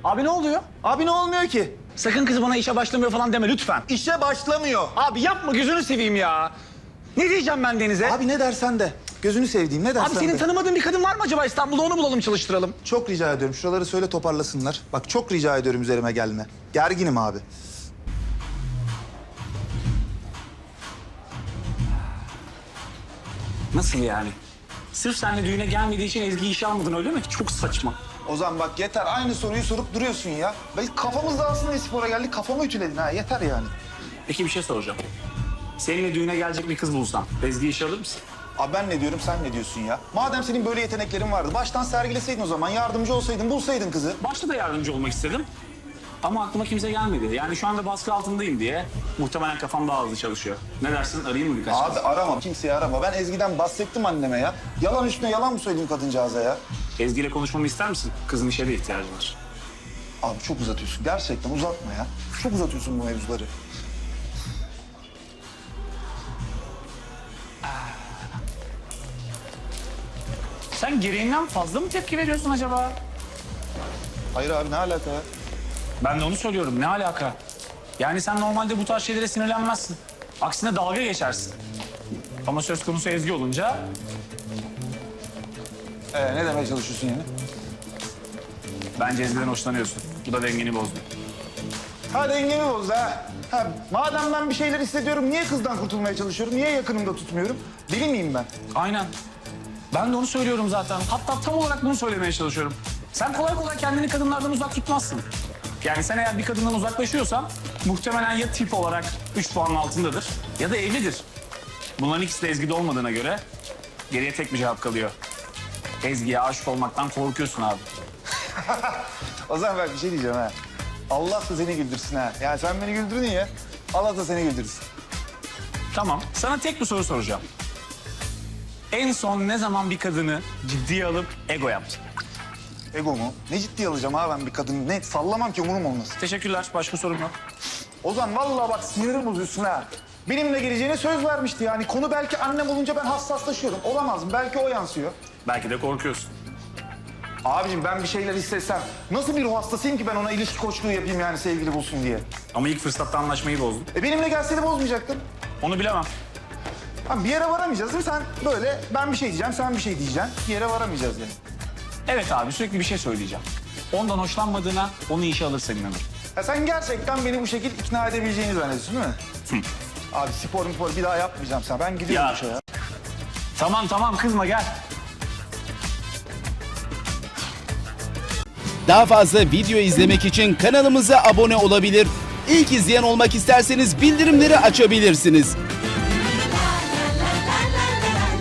Abi ne oluyor? Abi ne olmuyor ki? Sakın kız bana işe başlamıyor falan deme lütfen. İşe başlamıyor. Abi yapma gözünü seveyim ya. Ne diyeceğim ben Deniz'e? Abi ne dersen de. Gözünü sevdiğim ne dersen Abi senin de. tanımadığın bir kadın var mı acaba İstanbul'da, onu bulalım çalıştıralım. Çok rica ediyorum. Şuraları söyle toparlasınlar. Bak çok rica ediyorum üzerime gelme. Gerginim abi. Nasıl yani? Sırf seninle düğüne gelmediği için Ezgi'yi işe almadın öyle mi? Çok saçma. Ozan bak yeter. Aynı soruyu sorup duruyorsun ya. Belki kafamız dağılsın diye spora geldik. Kafamı ütüledin ha. Yeter yani. Peki bir şey soracağım. Seninle düğüne gelecek bir kız bulsam Ezgi'yi işe alır mısın? Abi ben ne diyorum sen ne diyorsun ya? Madem senin böyle yeteneklerin vardı. Baştan sergileseydin o zaman. Yardımcı olsaydın, bulsaydın kızı. Başta da yardımcı olmak istedim. Ama aklıma kimse gelmedi. Yani şu anda baskı altındayım diye muhtemelen kafam daha hızlı çalışıyor. Ne dersin, arayayım mı birkaç Abi kez? arama. Kimseyi arama. Ben Ezgi'den bahsettim anneme ya. Yalan üstüne yalan mı söyleyeyim kadıncağıza ya? Ezgi ile konuşmamı ister misin? Kızın işe de ihtiyacı var. Abi çok uzatıyorsun. Gerçekten uzatma ya. Çok uzatıyorsun bu mevzuları. Sen gereğinden fazla mı tepki veriyorsun acaba? Hayır abi ne alaka ya? Ben de onu söylüyorum. Ne alaka? Yani sen normalde bu tarz şeylere sinirlenmezsin. Aksine dalga geçersin. Ama söz konusu Ezgi olunca Ne demeye çalışıyorsun yani? bence Ezgi'den hoşlanıyorsun. Bu da dengeni bozdu. Ha dengemi bozdu ha. Ha, madem ben bir şeyler hissediyorum, niye kızdan kurtulmaya çalışıyorum? Niye yakınımda tutmuyorum? Deli miyim ben? Aynen. Ben de onu söylüyorum zaten. Hatta tam olarak bunu söylemeye çalışıyorum. Sen kolay kolay kendini kadınlardan uzak tutmazsın. Yani sen eğer bir kadından uzaklaşıyorsan muhtemelen ya tip olarak 3 puanın altındadır ya da evlidir. Bunların ikisi de Ezgi'de olmadığına göre geriye tek bir cevap kalıyor. Ezgi'ye aşık olmaktan korkuyorsun abi. O zaman ben bir şey diyeceğim ha. Allah da seni güldürsün ha. Ya sen beni güldürdün ya. Allah da seni güldürsün. Tamam, sana tek bir soru soracağım. En son ne zaman bir kadını ciddiye alıp ego yaptın? Ego mu? Ne ciddiye alacağım ha ben bir kadını? Ne sallamam ki umurum olmasın. Teşekkürler, başka sorum yok. Ozan vallahi bak sinirim bozuyorsun ha. Benimle geleceğine söz vermişti yani. Konu belki annem olunca ben hassaslaşıyorum. Olamaz mı? Belki o yansıyor. Belki de korkuyorsun. Abicim ben bir şeyler hissetsem nasıl bir ruh hastasıyım ki ben ona ilişki koçluğu yapayım yani sevgili bulsun diye. Ama ilk fırsatta anlaşmayı bozdun. Benimle gelseydi bozmayacaktın. Onu bilemem. Ha, bir yere varamayacağız değil mi? Sen böyle ben bir şey diyeceğim, sen bir şey diyeceksin. Bir yere varamayacağız yani. Evet abi, sürekli bir şey söyleyeceğim. Ondan hoşlanmadığına onu işe alırsan inanırım. Ya sen gerçekten beni bu şekilde ikna edebileceğini zannediyorsun değil mi? Abi spor bir daha yapmayacağım sen. Ben gidiyorum Ya. işe ya. Tamam kızma gel. Daha fazla video izlemek için kanalımıza abone olabilir. İlk izleyen olmak isterseniz bildirimleri açabilirsiniz.